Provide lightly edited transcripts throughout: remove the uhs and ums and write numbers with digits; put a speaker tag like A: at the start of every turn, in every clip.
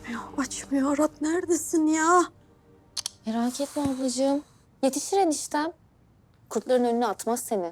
A: Açmıyor. Arat neredesin ya?
B: Merak etme ablacığım. Yetişir eniştem. Kurtların önüne atmaz seni.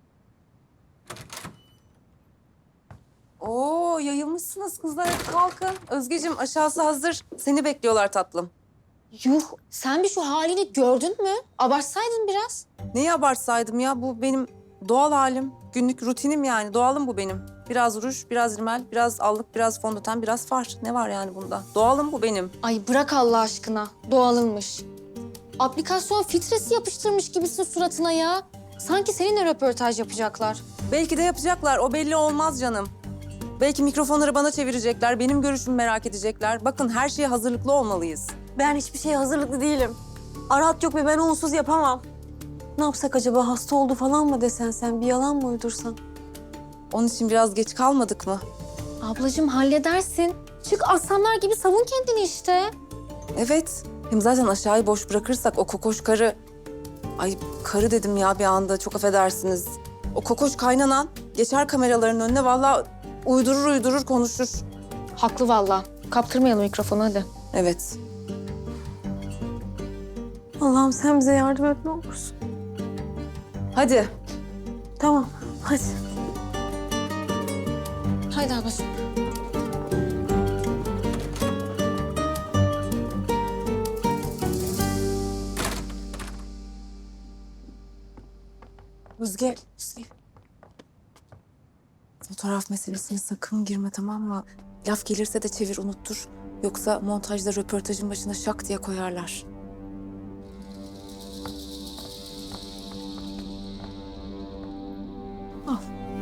C: Oo, yayılmışsınız kızlar. Hadi kalkın. Özgeciğim, aşağısı hazır. Seni bekliyorlar tatlım.
B: Yuh, sen bir şu halini gördün mü? Abartsaydın biraz.
C: Neyi abartsaydım ya? Bu benim doğal halim. Günlük rutinim yani. Doğalım bu benim. Biraz ruj, biraz rimel, biraz allık, biraz fondöten, biraz far. Ne var yani bunda? Doğalım bu benim.
B: Ay bırak Allah aşkına. Doğalınmış. Aplikasyon filtresi yapıştırmış gibisin suratına ya. Sanki seninle röportaj yapacaklar.
C: Belki de yapacaklar. O belli olmaz canım. Belki mikrofonları bana çevirecekler. Benim görüşümü merak edecekler. Bakın her şeye hazırlıklı olmalıyız.
A: Ben hiçbir şeye hazırlıklı değilim. Arat yok ve ben onsuz yapamam. Ne yapsak acaba? Hasta oldu falan mı desen sen? Bir yalan mı uydursan?
C: Onun için biraz geç kalmadık mı?
B: Ablacığım halledersin. Çık aslanlar gibi savun kendini işte.
C: Evet. Hem zaten aşağıyı boş bırakırsak o kokoş karı... Ay karı dedim ya bir anda, çok affedersiniz. O kokoş kaynanan geçer kameraların önüne, vallahi uydurur konuşur.
B: Haklı valla. Kaptırmayalım mikrofonu hadi.
C: Evet.
A: Allah'ım sen bize yardım et ne olursun.
C: Hadi.
A: Tamam hadi.
B: Haydi ablacığım.
C: Özge. Fotoğraf meselesine sakın girme, tamam mı? Laf gelirse de çevir, unuttur. Yoksa montajda röportajın başına şak diye koyarlar. Al.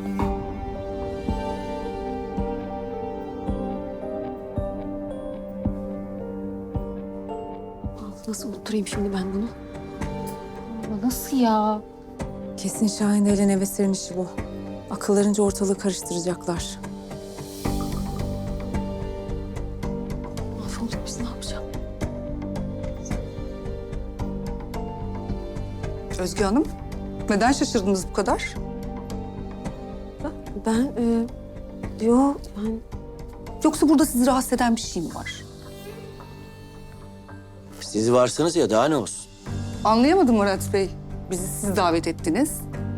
A: Nasıl unutturayım şimdi ben bunu?
B: Ama nasıl ya?
C: Kesin Şahin ile Nevesir'in işi bu. Akıllarınca ortalığı karıştıracaklar.
A: Mahvolduk biz ne yapacağız?
D: Özge Hanım, neden şaşırdınız bu kadar?
A: Ben yok ben
D: Yoksa burada sizi rahatsız eden bir şey mi var?
E: Siz varsınız ya, daha ne olsun?
D: Anlayamadım Murat Bey. Bizi siz davet ettiniz.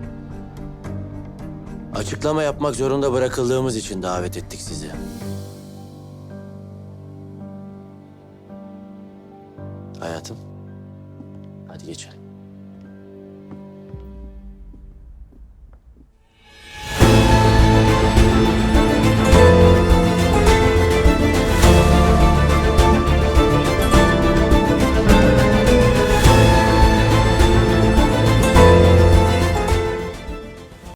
E: Açıklama yapmak zorunda bırakıldığımız için davet ettik sizi. Hayatım, hadi geçelim.